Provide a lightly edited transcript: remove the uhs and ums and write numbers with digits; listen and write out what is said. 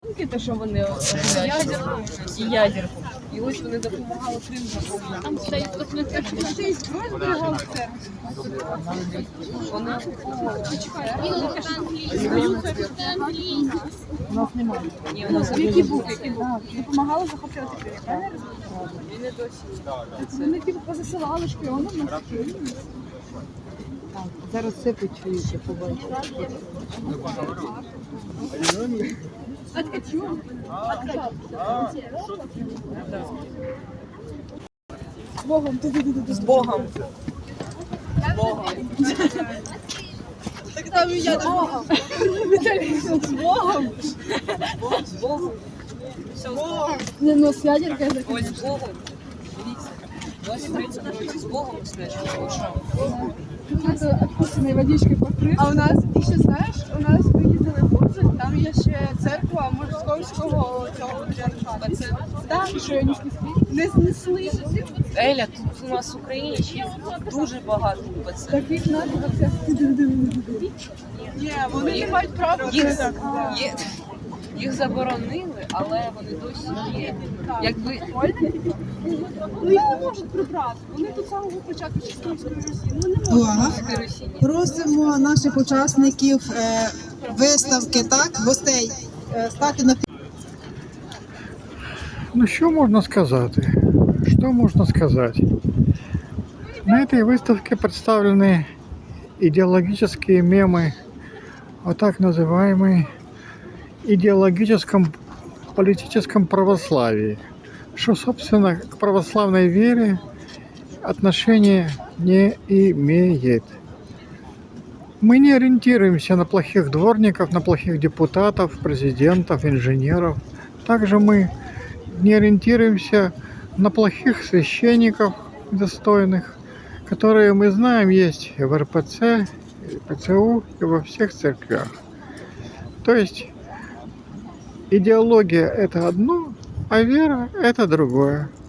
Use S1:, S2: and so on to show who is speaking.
S1: Те, що вони і ядерку. І ось вони допомагали Крим захопити. Там стоїть зберігали церкву. Вони у нас немає. Ні, у нас який був? Допомагали захоплювати Крим. Вони досі. Вони позасилали шпіоном на Києві.
S2: Зараз все почуєте, побачите.
S1: З Богом. З Богом. З Богом. Так там і я з Богом. З Богом. З Богом. Все, з Богом.
S2: Не, ну, с ядеркой
S1: Ось з Богом. Дивіться. 23 з Богом спрячемо.
S2: это откусанной водичкой покрыт.
S3: А у нас, і ще знаєш, у нас виїздили в Бурзель, там є ще церква московського цього патріархату.
S1: Це
S3: Так,
S2: Что, они снесли?
S3: не знесли.
S1: Еля, тут у нас в Україні ще дуже багато УПЦ.
S2: Таких надо как
S3: Ні, вони не мають права.
S1: Їх заборонили, але вони досі є. Якби
S3: Ну їх не можуть прибрати. Вони до самого початку Чистинської Росії. Ну не можуть.
S4: Увага! Просимо наших учасників виставки, так, гостей, стати на
S5: Ну, що можна сказати? Что можно сказать? На этой выставке представлены идеологические мемы о так называемой идеологическом политическом православии, что, собственно, к православной вере отношения не имеет. Мы не ориентируемся на плохих дворников, на плохих депутатов, президентов, инженеров. Также мы не ориентируемся на плохих священников достойных, которые, мы знаем, есть и в РПЦ, и в ПЦУ, и во всех церквях. То есть идеология – это одно, а вера – это другое.